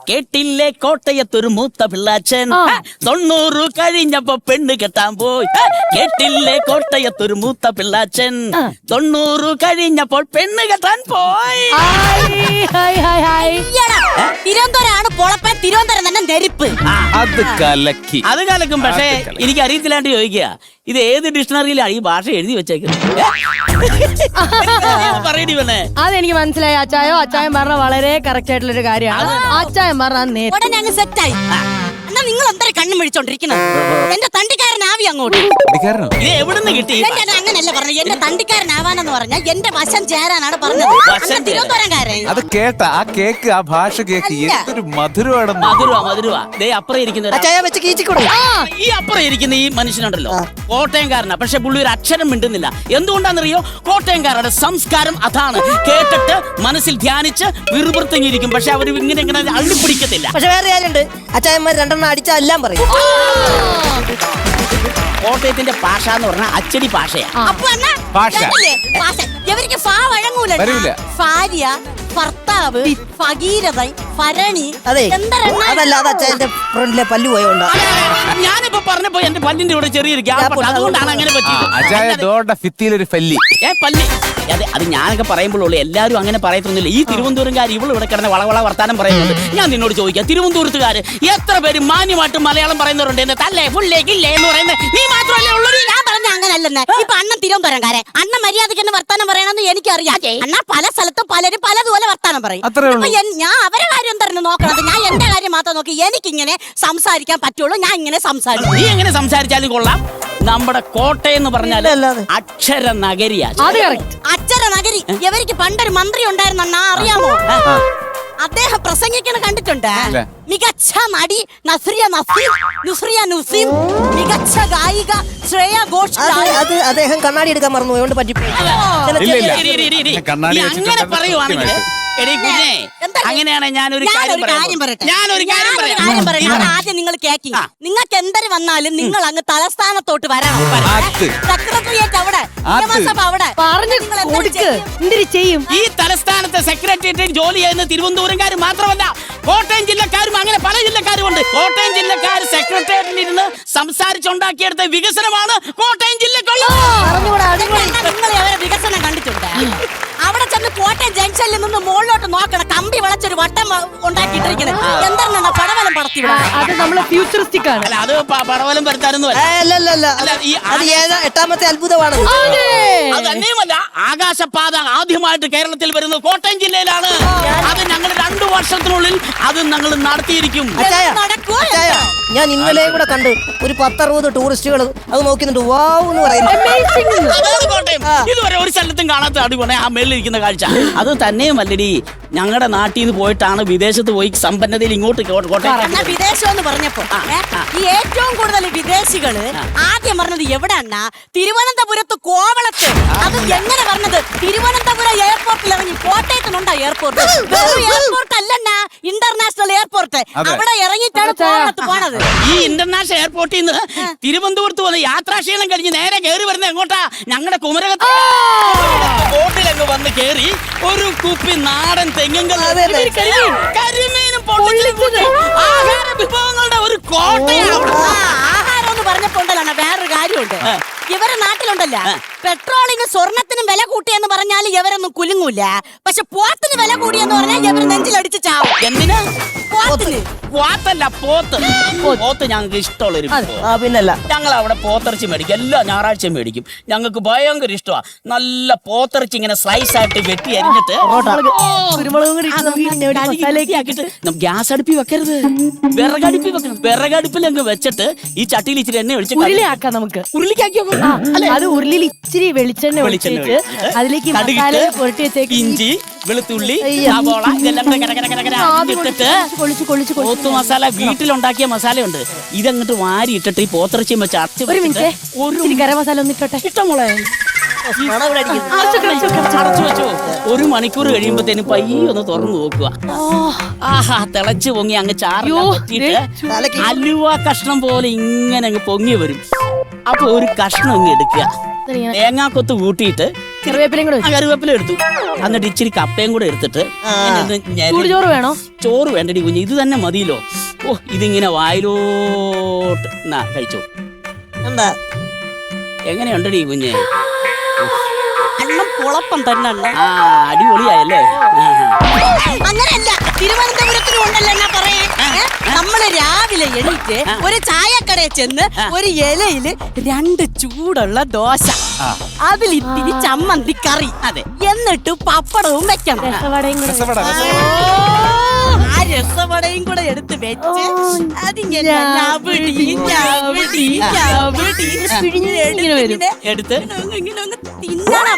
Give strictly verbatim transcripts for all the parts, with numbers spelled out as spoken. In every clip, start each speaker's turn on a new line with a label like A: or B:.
A: കേട്ടില്ലേ കോട്ടയത്തൊരു മൂത്ത പിള്ളാച്ചൻ തൊണ്ണൂറ് കഴിഞ്ഞപ്പോ പെണ്ണ് കെട്ടാൻ പോയി. കേട്ടില്ലേ കോട്ടയത്തൊരു മൂത്ത പിള്ളാച്ചൻ തൊണ്ണൂറ് കഴിഞ്ഞപ്പോൾ പെണ്ണ് കെട്ടാൻ പോയി.
B: തിരുവനന്തപുരമാണ് പൊളപ്പൻ, തിരുവനന്തപുരം തന്നെ നെരിപ്പ്.
C: അത് കലക്കി
A: അത് കലക്കും. പക്ഷേ എനിക്ക് അറിയത്തില്ലാണ്ട് ചോദിക്കുക, ഇത് ഏത് ഡിക്ഷണറിയിലാണ് ഈ ഭാഷ എഴുതി വെച്ചേക്കുന്നത്? പറയടി പെണ്ണേ.
D: അതെനിക്ക് മനസ്സിലായി അച്ചായോ. അച്ചായൻ പറഞ്ഞ വളരെ കറക്റ്റ് ആയിട്ടുള്ള ഒരു കാര്യമാണ്. അച്ചായൻ പറഞ്ഞ
B: ഉടനെ അങ്ങ് സെറ്റായി. എന്നാ നിങ്ങൾ എന്താ കണ്ണും വിളിച്ചോണ്ടിരിക്കുന്നത്? എന്റെ തണ്ടിക്കാരനാവി അങ്ങോട്ട്.
A: ഇത് എവിടുന്ന് കിട്ടി?
B: അങ്ങനല്ല പറഞ്ഞു, എന്റെ തണ്ടിക്കാരനാവാനെന്ന് പറഞ്ഞാൽ എന്റെ വശം ചേരാനാണ് പറഞ്ഞത്. തിരുവനന്തപുരംകാരൻ
C: അത് കേട്ട ആ കേക്ക്, ആ ഭാഷ കേക്ക് എന്തൊരു മധുരമാണ്.
A: മധുരവാ മധുരവാ. ദേ അപ്പുറം ഇരിക്കുന്ന ഈ അപ്പുറം ഇരിക്കുന്ന ഈ മനുഷ്യനുണ്ടല്ലോ കോട്ടയംകാരനാ. പക്ഷെ പുള്ളി ഒരു അക്ഷരം മിണ്ടുന്നില്ല. എന്തുകൊണ്ടാണെന്നറിയോ? കോട്ടയംകാരുടെ സംസ്കാരം അതാണ്. കേട്ടിട്ട് മനസ്സിൽ ധ്യാനിച്ച് വിറുപുറത്തിങ്ങിരിക്കും. പക്ഷെ അവർ ഇങ്ങനെ ഇങ്ങനെ അള്ളിപ്പിടിക്കത്തില്ല.
E: പക്ഷെ വേറെ കാര്യമുണ്ട്, അച്ചായന്മാർ രണ്ടെണ്ണം അടിച്ചാൽ എല്ലാം പറയും.
A: കോട്ടയത്തിന്റെ ഭാഷ എന്ന് പറഞ്ഞാൽ അച്ചടി ഭാഷയാ.
C: ഭാഷ
B: ഇവർക്ക് ഫാ വഴങ്ങൂല. ഭാര്യ, ഭർത്താവ്, ഭഗീരഥൻ, ഭരണി.
E: അതെ, അതല്ല, അത് അച്ചായന്റെ ഫ്രണ്ടിലെ പല്ലു പോയോണ്ടാ.
A: ഞാനിപ്പോ പറഞ്ഞപ്പോ എന്റെ പല്ലിന്റെ ഇവിടെ ചെറിയൊരു ഗ്യാപ്പ്, അതുകൊണ്ടാണ് അങ്ങനെ പറ്റിയത്.
C: ഒരു പല്ലി
A: ഏ പല്ലി അതെ, അത് ഞാനൊക്കെ പറയുമ്പോഴുള്ളൂ. എല്ലാവരും അങ്ങനെ പറയത്തൊന്നുമില്ല. ഈ തിരുവനന്തപുരംകാർ ഇവള് ഇവിടെ കിടന്ന് വളവള വർത്താനം പറയുന്നുണ്ട്. ഞാൻ നിന്നോട് ചോദിക്കാം, തിരുവനന്തപുരത്തുകാര് എത്ര പേര് മാന്യമായിട്ട് മലയാളം പറയുന്നവരുണ്ട്? എന്നെ തല്ലേ ഫുള്ളേ കില്ലേ എന്ന് പറയുന്നത് നീ മാത്രമല്ലേ ഉള്ളൂ.
B: ഞാൻ പറഞ്ഞ അങ്ങനല്ലെന്ന്. ഇപ്പൊ അണ്ണൻ തിരുവനന്തപുരംകാരൻ, അണ്ണൻ മര്യാദയ്ക്ക് തന്നെ വർത്താനം പറയണമെന്ന് എനിക്കറിയാം. അണ്ണ പല സ്ഥലത്തും പലരും പലതുപോലെ വർത്താനം പറയും. ഞാൻ അവരെ കാര്യം തന്നെ നോക്കണത്, ഞാൻ എന്റെ കാര്യം മാത്രം നോക്കി എനിക്കിങ്ങനെ സംസാരിക്കാൻ പറ്റുള്ളൂ. ഞാൻ ഇങ്ങനെ സംസാരിക്കും.
A: നീ എങ്ങനെ സംസാരിച്ചാലും കൊള്ളാം. നമ്മുടെ കോട്ടയം എന്ന് പറഞ്ഞാൽ അക്ഷര നഗരിയാ.
B: അക്ഷര നഗരി. ഇവർക്ക് പണ്ടൊരു മന്ത്രി ഉണ്ടായിരുന്നു അണ്ണാ, അറിയാമോ? അദ്ദേഹം പ്രസംഗിക്കണ കണ്ടിട്ടുണ്ട്. മികച്ച നടി നസ്രിയ നസീം, നുസ്രിയ നുസീം, മികച്ച ഗായിക ശ്രേയ ഘോഷാൽ.
E: അത് അദ്ദേഹം കണ്ണാടി എടുക്കാൻ മറന്നു, അതുകൊണ്ട് പറ്റിപ്പോയി.
A: അങ്ങനെ പറയുവാണെങ്കിൽ അങ്ങനെയാണ് ഞാനൊരു കാര്യം പറയട്ടെ. ഞാനൊരു കാര്യം പറയാം.
B: ആദ്യം നിങ്ങൾ കേക്കി. നിങ്ങൾക്ക് എന്തൊരു വന്നാലും നിങ്ങൾ അങ്ങ് തലസ്ഥാനത്തോട്ട് വരണം. സെക്രട്ടറിയേറ്റ് അവിടെ, നിയമസഭ അവിടെ
D: ചെയ്യും.
A: ഈ തലസ്ഥാനത്തെ സെക്രട്ടേറിയറ്റിൽ ജോലി ചെയ്യുന്ന തിരുവനന്തപുരംകാർ മാത്രമല്ല, കോട്ടയം ജില്ലക്കാരും അങ്ങനെ പല ജില്ലക്കാരും ഉണ്ട്. കോട്ടയം ജില്ലക്കാർ സെക്രട്ടേറിയറ്റിൽ ഇരുന്ന് സംസാരിച്ചുണ്ടാക്കിയെടുത്ത വികസനമാണ് കോട്ടയം ജില്ലക്കുള്ളത്.
B: നിങ്ങൾ അവരെ വികസനം കണ്ടിട്ടുണ്ട്? അവിടെ ചെന്ന് കോട്ടയം ജംഗ്ഷനിൽ നിന്ന് മുകളിലോട്ട് നോക്കണം, കമ്പി വളച്ചൊരു വട്ടം ഉണ്ടാക്കിയിട്ടിരിക്കുന്നത്. എന്താണ് പടവലം പടത്തി?
D: അത് നമ്മളെ ഫ്യൂച്ചറിസ്റ്റിക് ആണ്.
A: അല്ല, അത് പടവലം പരത്താനൊന്നും
E: എട്ടാമത്തെ അത്ഭുതമാണ്.
A: അത് തന്നെയുമല്ല, ആകാശപാത ആദ്യമായിട്ട് കേരളത്തിൽ വരുന്നത് കോട്ടയം ജില്ലയിലാണ്. അത് ഞങ്ങൾ രണ്ടു വർഷത്തിനുള്ളിൽ അത് ഞങ്ങൾ നടത്തിയിരിക്കും.
E: ഞാൻ ഇന്നലെ കൂടെ കണ്ട് ഒരു പത്തറുപത് ടൂറിസ്റ്റുകൾ അത് നോക്കുന്നുണ്ട്. വാവ് എന്ന് പറയുന്നത്
A: കോട്ടയം ഇതുവരെ ഒരു സ്ഥലത്തും കാണാത്ത അടിപൊളി ആ മേളിലിരിക്കുന്ന കാഴ്ച. അത് തന്നെയുമല്ലടി, ഞങ്ങളുടെ നാട്ടിൽ നിന്ന് പോയിട്ടാണ് വിദേശത്ത് പോയി സമ്പന്നതയിൽ ഇങ്ങോട്ട് കോട്ടയം.
B: വിദേശം എന്ന് പറഞ്ഞപ്പോ ഈ ഏറ്റവും കൂടുതൽ വിദേശികള് ആദ്യം പറഞ്ഞത് എവിടെയാണ്? തിരുവനന്തപുരത്ത് കോവളത്ത്. അത് എങ്ങനെ പറഞ്ഞത്? തിരുവനന്തപുരം എയർപോർട്ടിൽ ഇറങ്ങി. കോട്ടയത്തിനുണ്ടോ എയർപോർട്ട്? എയർപോർട്ട് അല്ലെന്നാ, ഇന്റർനാഷണൽ എയർപോർട്ട്. അവിടെ ഇറങ്ങിയിട്ടാണ് കോവളത്ത് പോണത്.
A: ഈ ഇന്റർനാഷണൽ എയർപോർട്ടിൽ നിന്ന് തിരുവനന്തപുരത്ത് വന്ന് യാത്രാക്ഷീണം കഴിഞ്ഞ് നേരെ കയറി വരുന്നത് എങ്ങോട്ടാ? ഞങ്ങളുടെ കുമരകത്ത് ബോട്ടിലങ്ങ് വന്ന് കയറി ഒരു കുപ്പി നാടൻ തെങ്ങും കരിമീനും ആഹാര വിഭവങ്ങളുടെ ഒരു കോട്ടയാണ്.
B: ആഹാരം എന്ന് പറഞ്ഞപ്പോണ്ടല്ലോ വേറൊരു കാര്യമുണ്ട്. ഇവരെ നാട്ടിലുണ്ടല്ല, പെട്രോളിന് സ്വർണത്തിനും വില കൂട്ടിയെന്ന് പറഞ്ഞാൽ ഇവരൊന്നും കുലുങ്ങൂല. പക്ഷെ പോത്തിന് വില കൂടിയെന്ന് പറഞ്ഞാൽ ഇവർ നെഞ്ചിലടിച്ച് ചാവും.
A: എന്തിനാ?
B: പോത്തിന്.
A: പോത്തല്ല, പോത്ത്. പോത്ത് ഞങ്ങൾക്ക് ഇഷ്ടമുള്ളൊരു
E: പിന്നല്ല.
A: ഞങ്ങൾ അവിടെ പോത്തിറച്ചി മേടിക്കും, എല്ലാ ഞായറാഴ്ചയും മേടിക്കും. ഞങ്ങൾക്ക് ഭയങ്കര ഇഷ്ടമാണ്. നല്ല പോത്തിറച്ചി ഇങ്ങനെ സ്ലൈസ് ആയിട്ട് വെട്ടി അരിഞ്ഞിട്ട് ഗ്യാസ് അടുപ്പി വെക്കരുത്, വിറകടുപ്പി വെക്കണം. വിറകടുപ്പിൽ അങ്ങ് വെച്ചിട്ട് ഈ ചട്ടിയിൽ ഇച്ചിരി എണ്ണ ഒഴിച്ച്
D: ഉരുളിയാക്കാം. നമുക്ക്
A: ഉരുളിക്കാക്കിയോ?
D: അത് ഉരുളിയിൽ ഇച്ചിരി വെളിച്ചെണ്ണ ഒഴിച്ചിട്ട് അതിലേക്ക് മസാല പുരട്ടി വെച്ചേക്ക്.
A: ഇഞ്ചി, വെളുത്തുള്ളി, സവാള ഇതെല്ലാം ഇട്ടിട്ട് പോത്ത് മസാല, വീട്ടിലുണ്ടാക്കിയ മസാലയുണ്ട്. ഇതങ്ങോട്ട് വാരി ഇട്ടിട്ട് ഈ പോത്തിറച്ചിയും വെച്ച് അടച്ച്
D: ഒരു ഗരം മസാല ഒന്നിട്ടോട്ടെ.
A: ഇഷ്ടമോളെ അടച്ചു വെച്ചോ. ഒരു മണിക്കൂർ കഴിയുമ്പോഴത്തേനും പയ്യെ ഒന്ന് തുറന്നു നോക്കുക. ആഹാ, തിളച്ചു പൊങ്ങി അങ്ങ് ചാറ് അലുവ കഷ്ണം പോലെ ഇങ്ങനെ അങ്ങ് പൊങ്ങി വരും. അപ്പൊ ഒരു കഷ്ണം അങ്ങ് എടുക്കുക, തേങ്ങാക്കൊത്ത് കൂട്ടിയിട്ട്
D: കറിവേപ്പിലയും കൂടെ
A: ആ കറിവേപ്പില എടുത്തു. എന്നിട്ട് ഇച്ചിരി കപ്പയും കൂടെ എടുത്തിട്ട് ഇങ്ങനെ ഒന്ന് ഞെരടി-
D: ചൂടുചോറ് വേണോ?
A: ചോറ് വേണ്ടടി കുഞ്ഞ്, ഇത് തന്നെ മതിയല്ലോ. ഓ ഇതിങ്ങനെ വായിലോട്ട് എന്നാ കഴിച്ചോ.
E: എന്താ
A: എങ്ങനെയുണ്ടടി കുഞ്ഞെ?
B: അണ്ണം കുളപ്പം തന്നെ അണ്ണ.
A: ആ അടിപൊളിയായല്ലേ? ആഹാ.
B: അങ്ങനെയല്ല, തിരുവനന്തപുരത്തിനും ഉണ്ടല്ലോ എന്നാ പറയാൻ. ഏ? നമ്മള് രാവിലെ എണീറ്റ് ഒരു ചായക്കടയിൽ ചെന്ന് ഒരു ഇലയില് രണ്ട് ചൂടുള്ള ദോശ, അതിൽ ഇത്തിരി ചമ്മന്തി കറി,
A: അതെ,
B: എന്നിട്ട് പപ്പടവും വെക്കണം.
D: രസവടയും കൂടെ
C: രസവട,
B: ആ രസവടയും കൂടെ എടുത്ത് വെച്ച് അതിങ്ങനെ ഞവടി, ഞവടി, ഞവടി
D: ഇങ്ങനെ വരും.
A: എടുത്ത്
B: ഇങ്ങനെ ഇങ്ങനെ ഒന്ന് തിന്നണം.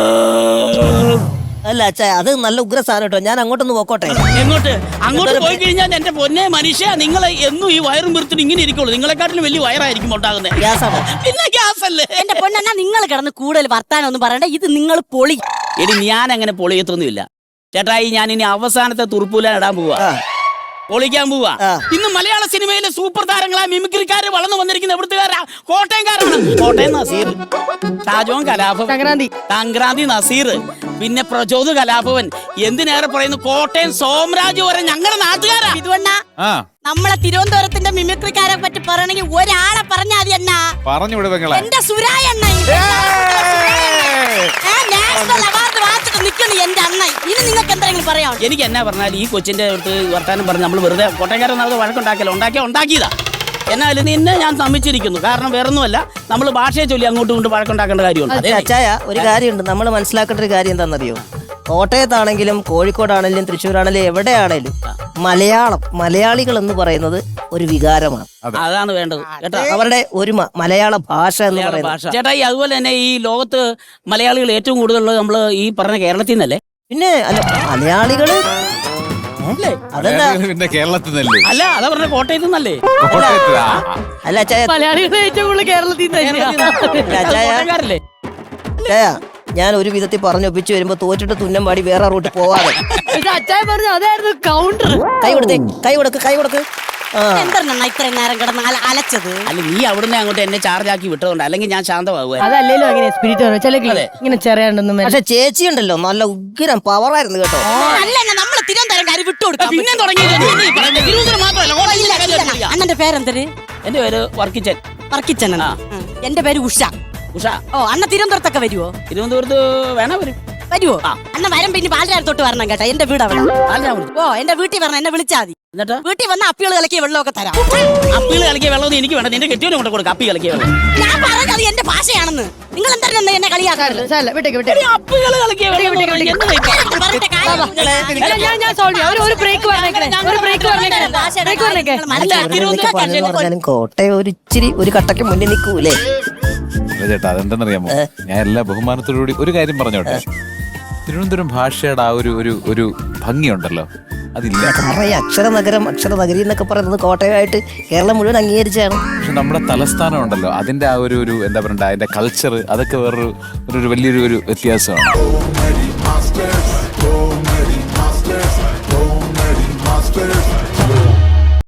E: അല്ല അച്ഛാ, അത് നല്ല ഉഗ്ര സാധനം കേട്ടോ. ഞാൻ അങ്ങോട്ടൊന്ന് പോക്കോട്ടെ.
A: എങ്ങോട്ട്? അങ്ങോട്ട് പോയി കഴിഞ്ഞാൽ എന്റെ പൊന്നെ മനുഷ്യ, നിങ്ങൾ എന്നും ഈ വയറും വീർത്തിട്ട് ഇങ്ങനെ ഇരിക്കുള്ളൂ. നിങ്ങളെക്കാട്ടിലും വലിയ വയറായിരിക്കും ഉണ്ടാകുന്നത്.
E: ഗ്യാസാണ്.
A: പിന്നെ ഗ്യാസ് അല്ലേ?
B: എന്റെ പൊന്നെന്നാ നിങ്ങൾ കിടന്ന് കൂടുതൽ വർത്താനം ഒന്നും പറയണ്ട, ഇത് നിങ്ങൾ പൊളി.
A: എടി ഞാൻ അങ്ങനെ പൊളിയത്തൊന്നുമില്ല ചേട്ടായി. ഞാൻ ഇനി അവസാനത്തെ തുറുപ്പൂലാൻ ഇടാൻ പോവാ,
E: ആ.
A: പൊളിക്കാൻ പോവാ.
E: ആ.
A: ഇന്ന് മലയാള സിനിമയിലെ സൂപ്പർ താരങ്ങളാ മിമിക്രിക്കാര് വളർന്നു വന്നിരിക്കുന്ന എവിടുത്തുകാരാ? കോട്ടയംകാരാണ്. കോട്ടയം നസീർ, ഷാജോൻ കലാഭവൻ,
D: സംക്രാന്തി
A: സംക്രാന്തി നസീർ, പിന്നെ പ്രചോദ് കലാഭവൻ, എന്തിനേറെ പറയുന്നു കോട്ടയം സോമരാജ് വരെ ഞങ്ങളുടെ നാട്ടുകാരാ.
B: ഇതുവണ്ണ
C: ആ
B: നമ്മളെ തിരുവനന്തപുരത്തിന്റെ മിമിക്രിക്കാരെ പറ്റി പറയണെങ്കിൽ ഒരാളെ പറഞ്ഞാൽ മതി അണ്ണാ.
C: പറഞ്ഞു വിട് പെങ്ങളെ.
B: എന്റെ സുരായ അണ്ണ നാഷണൽ അവാർഡ് വാങ്ങിച്ചിട്ട് നിൽക്കുന്നു എന്റെ അണ്ണ. ഇനി നിങ്ങൾക്ക് എന്തെങ്കിലും പറയാം?
A: എനിക്ക് എന്നാ പറഞ്ഞാൽ ഈ കൊച്ചിന്റെ അടുത്ത് വർത്താനം പറഞ്ഞ് നമ്മൾ വെറുതെ കോട്ടയംകാരൻ നമ്മൾ വഴക്കുണ്ടാക്കിയല്ലോ, ഉണ്ടാക്കിയ ഉണ്ടാക്കിയതാ. എന്നാലും നിന്നെ ഞാൻ സമ്മതിച്ചിരിക്കുന്നു. കാരണം വേറൊന്നുമല്ല, നമ്മൾ ഭാഷയെ ചൊല്ലി അങ്ങോട്ടും ഇങ്ങോട്ടും വഴക്കുണ്ടാക്കേണ്ട കാര്യമുണ്ട്.
E: അതെ അച്ചായ, ഒരു കാര്യമുണ്ട്. നമ്മൾ മനസ്സിലാക്കേണ്ട ഒരു കാര്യം എന്താണെന്നറിയോ? കോട്ടയത്താണെങ്കിലും കോഴിക്കോടാണെങ്കിലും തൃശ്ശൂരാണെങ്കിലും എവിടെയാണെങ്കിലും മലയാളം, മലയാളികൾ എന്ന് പറയുന്നത് ഒരു വികാരമാണ്.
A: അതാണ് വേണ്ടത് കേട്ടോ,
E: അവരുടെ ഒരുമ, മലയാള ഭാഷ എന്ന്
A: മലയാള
E: പറയുന്നത്.
A: ഭാഷ. ചേട്ടാ ഈ അതുപോലെ തന്നെ ഈ ലോകത്ത് മലയാളികൾ ഏറ്റവും കൂടുതലുള്ളത് നമ്മൾ ഈ പറഞ്ഞ കേരളത്തിൽ നിന്നല്ലേ?
E: പിന്നെ അല്ല മലയാളികള്
A: അല്ലേ?
E: അതെന്താ?
C: പിന്നെ കേരളത്തിൽ നിന്നല്ലേ?
A: അല്ല അതാ പറഞ്ഞ കോട്ടയത്ത് നിന്നല്ലേ?
C: കോട്ടയത്ത്. ആ, ആ.
E: അല്ല അച്ചായ,
D: മലയാളികൾ ഏറ്റവും കൂടുതൽ കേരളത്തിൽ നിന്ന് തന്നെയാ.
E: അല്ല, അച്ചായ,
A: കോട്ടയംകാരല്ലേ?
E: അച്ചായ, ഞാൻ ഒരു വിധത്തിൽ പറഞ്ഞൊപ്പിച്ച് വരുമ്പോ തോറ്റിട്ട് തുന്നം പാടി വേറെ റൂട്ടിൽ പോവാതെ.
D: പക്ഷെ അച്ചായ പറഞ്ഞു അതായിരുന്നു കൗണ്ടർ.
E: കൈ കൊടുത്തേ, കൈ കൊടുക്ക്, കൈ കൊടുക്ക്. ആ
B: എന്താണ് ഇത്രയും നേരം കിടന്ന് അല- അലച്ചത്?
A: അല്ല നീ അവിടുന്ന് അങ്ങോട്ട് എന്നെ ചാർജ് ആക്കി വിട്ടതുകൊണ്ട്, അല്ലെങ്കിൽ ഞാൻ ശാന്തമാകുക.
D: അതല്ലേലും അങ്ങനെ സ്പിരിറ്റ് പറഞ്ഞു ചില
A: അതെ.
D: ഇങ്ങനെ ചെറിയാണ്ടൊന്നും
E: പക്ഷെ ചേച്ചി ഉണ്ടല്ലോ, നല്ല ഉഗ്രം പവറായിരുന്നു കേട്ടോ.
B: അല്ല നമ്മള് തിരുവനന്തപുരംകാര് വിട്ടുകൊടുക്കാം.
A: പിന്നെ തുടങ്ങിയില്ലേ? നീ ഈ പറയുന്നത് തിരുവനന്തപുരം മാത്രമല്ല, കോട്ടയത്തിലെ കാര്യം അറിയാം.
B: അണ്ണന്റെ പേരെന്തര്?
A: എന്റെ പേര് വർക്കിച്ചൻ.
B: വർക്കിച്ചൻ. എന്റെ പേര് ഉഷ.
A: ഉഷ.
B: ഓ അണ്ണ തിരുവനന്തപുരത്തൊക്കെ വരുവോ?
A: തിരുവനന്തപുരത്ത് വേണ വരും.
B: വരുവോ?
A: ആ.
B: അണ്ണ വരം പിന്നെ പാലരാത്തോട്ട് വരണം കേട്ടോ, എന്റെ വീട് അവിടെ.
A: അല്ല ഞാൻ വിളിച്ചു.
B: ഓ എന്റെ വീട്ടിൽ വരണം, എന്നെ വിളിച്ചാൽ മതി.
A: എന്നിട്ട്
B: വീട്ടിൽ വന്ന അപ്പികൾ കളിക്കിയ വെള്ളമൊക്കെ തരാം.
A: അപ്പികൾ കളിക്കിയ വെള്ളം എനിക്ക് വേണ്ട, നിന്റെ കെട്ടിയോനെ കൊണ്ട് കൊടുക്കാം. അപ്പി കളിക്കിയ വെള്ളം.
B: ഞാൻ പറഞ്ഞത് എന്റെ ഭാഷയാണെന്ന്. നിങ്ങൾ എന്തായാലും എന്നെ കളിയാക്കാറില്ല.
D: വിട്ടേക്ക് വിട്ടേക്ക്.
A: അപ്പികൾ കളിക്കിയ വെള്ളം എന്ന് പറഞ്ഞാൽ എന്ത് കഴിക്കാം?
D: ഞാൻ- ഞാൻ ഞാൻ സോൾവ് ചെയ്യാം. ഒരു ഒരു ബ്രേക്ക് പറഞ്ഞേക്കണേ, ഒരു ബ്രേക്ക് പറഞ്ഞേക്കണേ, ബ്രേക്ക് പറഞ്ഞേക്കേ.
A: അല്ല,
E: ഇങ്ങനെയൊക്കെ പറഞ്ഞെന്ന് പറഞ്ഞാലും കോട്ടയം ഒരു ഇച്ചിരി ഒരു കട്ടയ്ക്ക് മുന്നിൽ നിൽക്കൂലേ?
C: അല്ല ചേട്ടാ, അതെന്തെന്നറിയാമോ? ഞാൻ എല്ലാ ബഹുമാനത്തോടുകൂടി ഒരു കാര്യം പറഞ്ഞോട്ടെ. തിരുവനന്തപുരം ഭാഷയുടെ ആ ഒരു ഒരു ഒരു ഭംഗിയുണ്ടല്ലോ, അതില്ല.
E: കാരണം ഈ അക്ഷര നഗരം, അക്ഷര നഗരി എന്നൊക്കെ പറയുന്നത് കോട്ടയമായിട്ട് കേരളം മുഴുവൻ അംഗീകരിച്ചാണ്.
C: പക്ഷെ നമ്മുടെ തലസ്ഥാനം ഉണ്ടല്ലോ, അതിന്റെ ആ ഒരു ഒരു എന്താ പറയണ്ട, അതിന്റെ കൾച്ചർ, അതൊക്കെ വേറൊരു ഒരു വലിയൊരു ഒരു വ്യത്യാസമാണ്.